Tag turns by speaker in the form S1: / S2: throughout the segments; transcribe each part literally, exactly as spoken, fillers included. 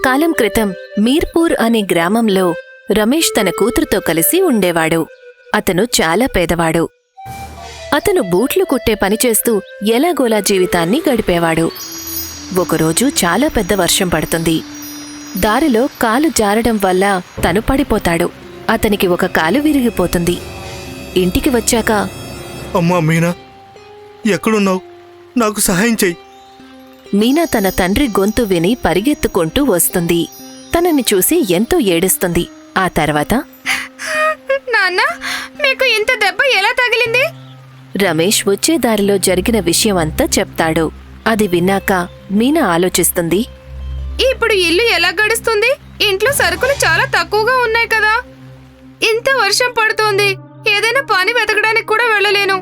S1: కొంతకాలం క్రితం మీర్పూర్ అనే గ్రామంలో రమేష్ తన కూతురుతో కలిసి ఉండేవాడు. అతను చాలా పేదవాడు. అతను బూట్లు కుట్టే పనిచేస్తూ ఎలాగోలా జీవితాన్ని గడిపేవాడు. ఒకరోజు చాలా పెద్ద వర్షం పడుతుంది. దారిలో కాలు జారడం వల్ల తను పడిపోతాడు. అతనికి ఒక కాలు విరిగిపోతుంది. ఇంటికి వచ్చాక,
S2: అమ్మా మీనా, ఎక్కడున్నావు? నాకు సహాయం చెయ్యి.
S1: మీనా తన తండ్రి గొంతు విని పరిగెత్తుకుంటూ వస్తుంది. తనని చూసి ఎంతో ఏడుస్తుంది. ఆ తర్వాత,
S3: నాన్నా, మీకు ఇంత దెబ్బ ఎలా తగిలింది?
S1: రమేష్ వచ్చే దారిలో జరిగిన విషయమంతా చెప్తాడు. అది విన్నాక మీనా ఆలోచిస్తుంది.
S3: ఇప్పుడు ఇల్లు ఎలా గడుస్తుంది? ఇంట్లో సరుకులు చాలా తక్కువగా ఉన్నాయి కదా. ఇంత వర్షం పడుతోంది, ఏదైనా పని వెతకడానికి కూడా వెళ్ళలేను.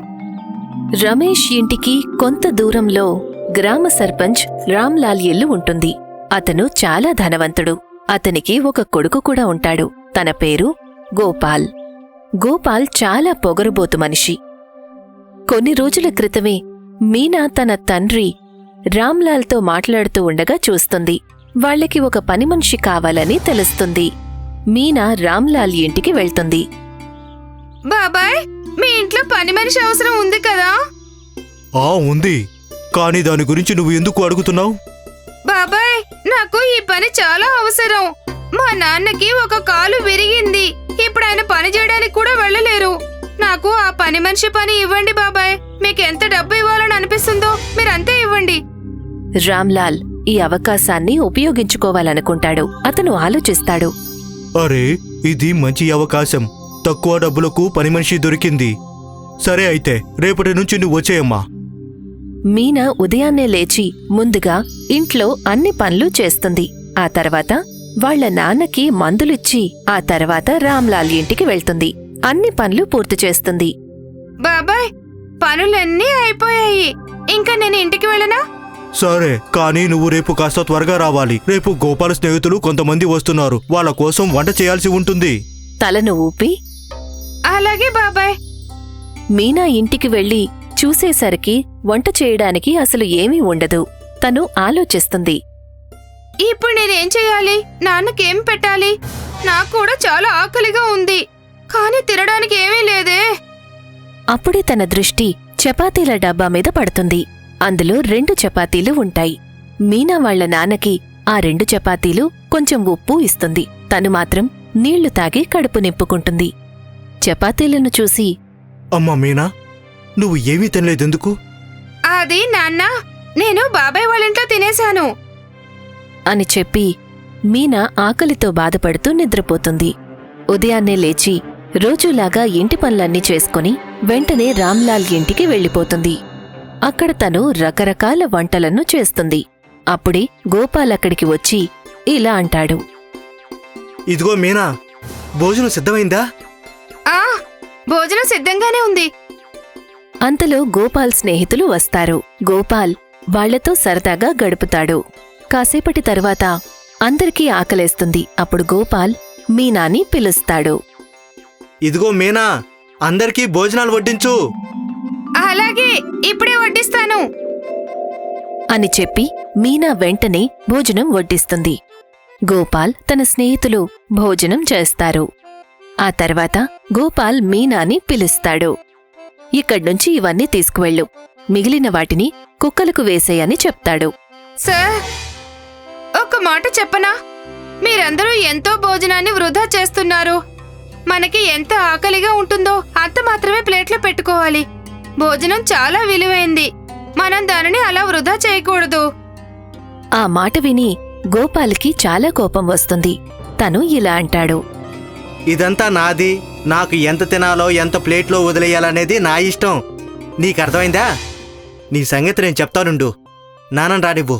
S1: రమేష్ ఇంటికి కొంత దూరంలో గ్రామ సర్పంచ్ రామ్లాల్ ఇల్లు ఉంటుంది. అతను చాలా ధనవంతుడు. అతనికి ఒక కొడుకు కూడా ఉంటాడు. తన పేరు గోపాల్. గోపాల్ చాలా పొగరుబోతు మనిషి. కొన్ని రోజుల క్రితమే మీనా తన తండ్రి రామ్లాల్తో మాట్లాడుతూ ఉండగా చూస్తుంది. వాళ్లకి ఒక పనిమనిషి కావాలని తెలుస్తుంది. మీనా రామ్లాల్ ఇంటికి వెళ్తుంది.
S3: బాబాయ్, మీ ఇంట్లో పని మనిషి అవసరం ఉంది కదా?
S2: ఆ ఉంది, కానీ దాని గురించి నువ్వు ఎందుకు అడుగుతున్నావు?
S3: బాబాయ్, నాకు ఈ పని చాలా అవసరం. మా నాన్నకి ఒక కాలు విరిగింది. ఇప్పుడు ఆయన పని చేయడానికి కూడా వెళ్ళలేరు. నాకు ఆ పని మనిషి పని ఇవ్వండి బాబాయ్. మీకు ఎంత డబ్బు ఇవ్వాలని అనిపిస్తుందో మీరంతే ఇవ్వండి.
S1: రామ్లాల్ ఈ అవకాశాన్ని ఉపయోగించుకోవాలనుకుంటాడు. అతను ఆలోచిస్తాడు.
S2: అరే, ఇది మంచి అవకాశం. తక్కువ డబ్బులకు పని మనిషి దొరికింది. సరే అయితే రేపటి నుంచి నువ్వు వచ్చేయమ్మా.
S1: మీనా ఉదయాన్నే లేచి ముందుగా ఇంట్లో అన్ని పనులు చేస్తుంది. ఆ తర్వాత వాళ్ల నాన్నకి మందులిచ్చి ఆ తర్వాత రామ్లాల్ ఇంటికి వెళ్తుంది. అన్ని పనులు పూర్తి చేస్తుంది.
S3: బాబాయ్, పనులన్నీ అయిపోయాయి. ఇంకా నేను ఇంటికి వెళ్ళనా?
S2: సరే, కానీ నువ్వు రేపు కాస్త త్వరగా రావాలి. రేపు గోపాల స్నేహితులు కొంతమంది వస్తున్నారు. వాళ్ళ కోసం వంట చేయాల్సి ఉంటుంది.
S1: తలను ఊపి,
S3: అలాగే బాబాయ్.
S1: మీనా ఇంటికి వెళ్లి చూసేసరికి వంట చేయడానికి అసలు ఏమీ ఉండదు. తను ఆలోచిస్తుంది.
S3: ఇప్పుడు నేనేం చెయ్యాలి? నాన్నకేం పెట్టాలి? నాకు కూడా చాలా ఆకలిగా ఉంది, కానీ తినడానికి ఏమీ లేదే.
S1: అప్పుడే తన దృష్టి చపాతీల డబ్బా మీద పడుతుంది. అందులో రెండు చపాతీలు ఉంటాయి. మీనా వాళ్ల నాన్నకి ఆ రెండు చపాతీలు కొంచెం ఉప్పు ఇస్తుంది. తను మాత్రం నీళ్లు తాగి కడుపు నింపుకుంటుంది. చపాతీలను చూసి,
S2: అమ్మా మీనా, నువ్వు ఏమీ తినలేదెందుకు?
S3: అది నాన్న, నేను బాబాయ్ వాళ్ళింట్లో తినేశాను
S1: అని చెప్పి మీనా ఆకలితో బాధపడుతూ నిద్రపోతుంది. ఉదయాన్నే లేచి రోజులాగా ఇంటి పనులన్నీ చేసుకుని వెంటనే రామ్లాల్ ఇంటికి వెళ్ళిపోతుంది. అక్కడ తను రకరకాల వంటలను చేస్తుంది. అప్పుడే గోపాల్ అక్కడికి వచ్చి ఇలా అంటాడు.
S2: ఇదిగో మీనా, భోజనం సిద్ధమైందా?
S3: ఆ భోజనం సిద్ధంగానే ఉంది.
S1: అంతలో గోపాల్ స్నేహితులు వస్తారు. గోపాల్ వాళ్లతో సరదాగా గడుపుతాడు. కాసేపటి తరువాత అందరికీ ఆకలేస్తుంది. అప్పుడు గోపాల్ మీనాని పిలుస్తాడు.
S2: ఇదిగో మీనా, అందరికీ భోజనాలు వడ్డించు.
S3: అలాగే, ఇప్పుడే వడ్డిస్తాను
S1: అని చెప్పి మీనా వెంటనే భోజనం వడ్డిస్తుంది. గోపాల్ తన స్నేహితులు భోజనం చేస్తారు. ఆ తర్వాత గోపాల్ మీనాని పిలుస్తాడు. ఇక్కడ్నుంచి ఇవన్నీ తీసుకువెళ్ళు, మిగిలిన వాటిని కుక్కలకు వేసేయని చెప్తాడు.
S3: సార్, ఒక మాట చెప్పనా? మీరందరూ ఎంతో భోజనాన్ని వృధా చేస్తున్నారు. మనకి ఎంత ఆకలిగా ఉంటుందో అంత మాత్రమే ప్లేట్లో పెట్టుకోవాలి. భోజనం చాలా విలువైంది. మనం దానిని అలా వృధా చేయకూడదు.
S1: ఆ మాట విని గోపాల్కి చాలా కోపం వస్తుంది. తను ఇలా అంటాడు.
S2: ఇదంతా నాది. నాకు ఎంత తినాలో ఎంత ప్లేట్లో వదిలేయాలనేది నా ఇష్టం. నీకర్థమైందా? నీ సంగతి నేను చెప్తానుండు. నాన్నని రానివ్వు.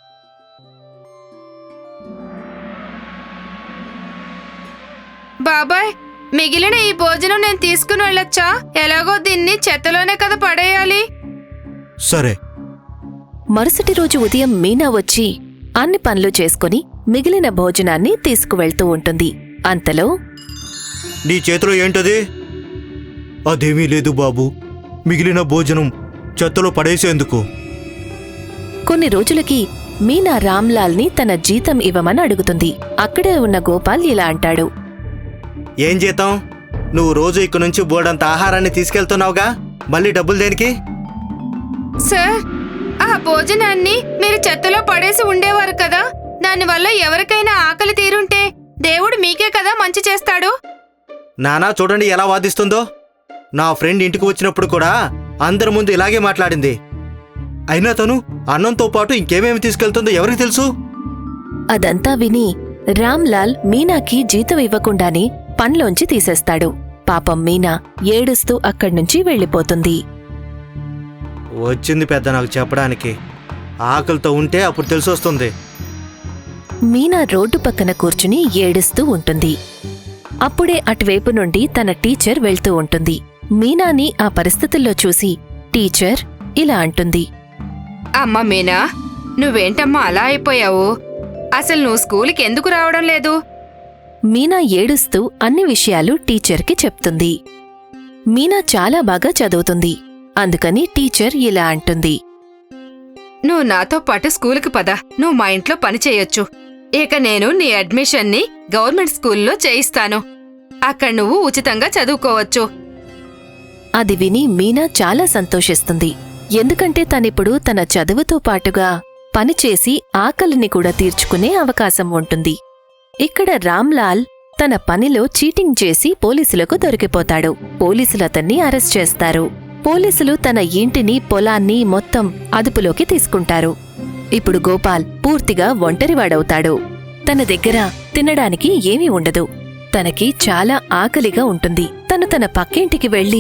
S3: బాబాయ్, మిగిలిన ఈ భోజనం నేను తీసుకుని వెళ్ళొచ్చా? ఎలాగో దీన్ని చెత్తలోనే కదా పడేయాలి.
S2: సరే.
S1: మరుసటి రోజు ఉదయం మీనా వచ్చి అన్ని పనులు చేసుకుని మిగిలిన భోజనాన్ని తీసుకువెళ్తూ ఉంటుంది. అంతలో,
S2: నీ చేతిలో ఏంటది? అదేమీ లేదు బాబూ, మిగిలిన భోజనం చెత్తలో పడేసేందుకు.
S1: కొన్ని రోజులకి మీనా రామ్లాల్ని తన జీతం ఇవ్వమని అడుగుతుంది. అక్కడే ఉన్న గోపాల్ ఇలా అంటాడు.
S2: ఏం జీతం? నువ్వు రోజు ఇక్కడి నుంచి బోర్డంత ఆహారాన్ని తీసుకెళ్తున్నావుగా, మళ్ళీ డబ్బులు దేనికి?
S3: సార్, ఆ భోజనాన్ని మీరు చెత్తలో పడేసి ఉండేవారు కదా, దానివల్ల ఎవరికైనా ఆకలి తీరుంటే దేవుడు మీకే కదా మంచి చేస్తాడు.
S2: నానా చూడండి ఎలా వాదిస్తుందో. నా ఫ్రెండ్ ఇంటికి వచ్చినప్పుడు కూడా అందరి ముందు ఇలాగే మాట్లాడింది. అయినా తను అన్నంతో పాటు ఇంకేమేమి తీసుకెళ్తుందో ఎవరికి తెలుసు?
S1: అదంతా విని రామ్లాల్ మీనాకి జీతం ఇవ్వకుండానే పనిలోంచి తీసేస్తాడు. పాపం మీనా ఏడుస్తూ అక్కడ్నుంచి వెళ్ళిపోతుంది.
S2: వచ్చింది పెద్ద నాకు చెప్పడానికి. ఆకలితో ఉంటే అప్పుడు తెలిసొస్తుంది.
S1: మీనా రోడ్డు పక్కన కూర్చుని ఏడుస్తూ ఉంటుంది. అప్పుడే అటువైపు నుండి తన టీచర్ వెళ్తూ ఉంటుంది. మీనాని ఆ పరిస్థితుల్లో చూసి టీచర్ ఇలా అంటుంది.
S3: అమ్మ మీనా, నువ్వేంటమ్మా అలా అయిపోయావు? అసలు నువ్వు స్కూలుకి ఎందుకు రావడం లేదు?
S1: మీనా ఏడుస్తూ అన్ని విషయాలు టీచర్కి చెప్తుంది. మీనా చాలా బాగా చదువుతుంది. అందుకని టీచర్ ఇలా అంటుంది.
S3: నువ్వు నాతో పాటు స్కూలుకి పద, నువ్వు మా ఇంట్లో పని చేయొచ్చు. ఇక నేను నీ అడ్మిషన్ని గవర్నమెంట్ స్కూల్లో చేయిస్తాను. అక్కడ నువ్వు ఉచితంగా చదువుకోవచ్చు.
S1: అది విని మీనా చాలా సంతోషిస్తుంది. ఎందుకంటే తనిప్పుడు తన చదువుతో పాటుగా పనిచేసి ఆకలిని కూడా తీర్చుకునే అవకాశం ఉంటుంది. ఇక్కడ రామ్లాల్ తన పనిలో చీటింగ్ చేసి పోలీసులకు దొరికిపోతాడు. పోలీసులు అతన్ని అరెస్ట్ చేస్తారు. పోలీసులు తన ఇంటిని, పొలాన్ని మొత్తం అదుపులోకి తీసుకుంటారు. ఇప్పుడు గోపాల్ పూర్తిగా ఒంటరివాడవుతాడు. తన దగ్గర తినడానికి ఏమీ ఉండదు. తనకి చాలా ఆకలిగా ఉంటుంది. తను తన పక్కింటికి వెళ్ళి,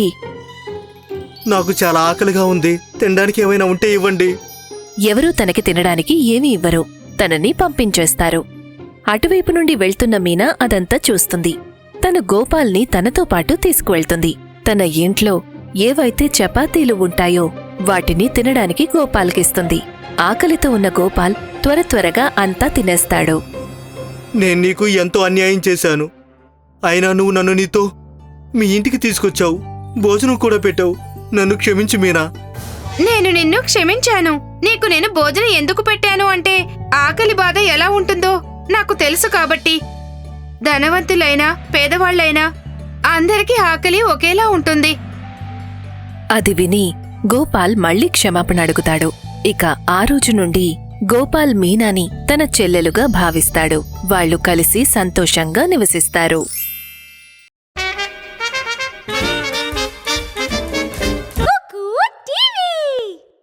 S2: నాకు చాలా ఆకలిగా ఉంది, తినడానికి ఏమైనా ఉంటే ఇవ్వండి.
S1: ఎవరూ తనకి తినడానికి ఏమీ ఇవ్వరు. తనని పంపించేస్తారు. అటువైపు నుండి వెళ్తున్న మీనా అదంతా చూస్తుంది. తను గోపాల్ని తనతో పాటు తీసుకువెళ్తుంది. తన ఇంట్లో ఏవైతే చపాతీలు ఉంటాయో వాటిని తినడానికి గోపాల్కిస్తుంది. ఆకలితో ఉన్న గోపాల్ త్వర త్వరగా అంతా తినేస్తాడు.
S2: నేను నీకు ఎంతో అన్యాయం చేశాను. అయినా నువ్వు నన్ను నీతో మీ ఇంటికి తీసుకొచ్చావు, భోజనం కూడా పెట్టావు. నన్ను క్షమించు మీనా.
S3: నేను నిన్ను క్షమించాను. నీకు నేను భోజనం ఎందుకు పెట్టాను అంటే ఆకలి బాధ ఎలా ఉంటుందో నాకు తెలుసు కాబట్టి. ధనవంతులైనా పేదవాళ్లైనా అందరికీ ఆకలి ఒకేలా ఉంటుంది.
S1: అది విని గోపాల్ మళ్లీ క్షమాపణ అడుగుతాడు. ఇక ఆ రోజు నుండి గోపాల్ మీనాని తన చెల్లెలుగా భావిస్తాడు. వాళ్ళు కలిసి సంతోషంగా నివసిస్తారు.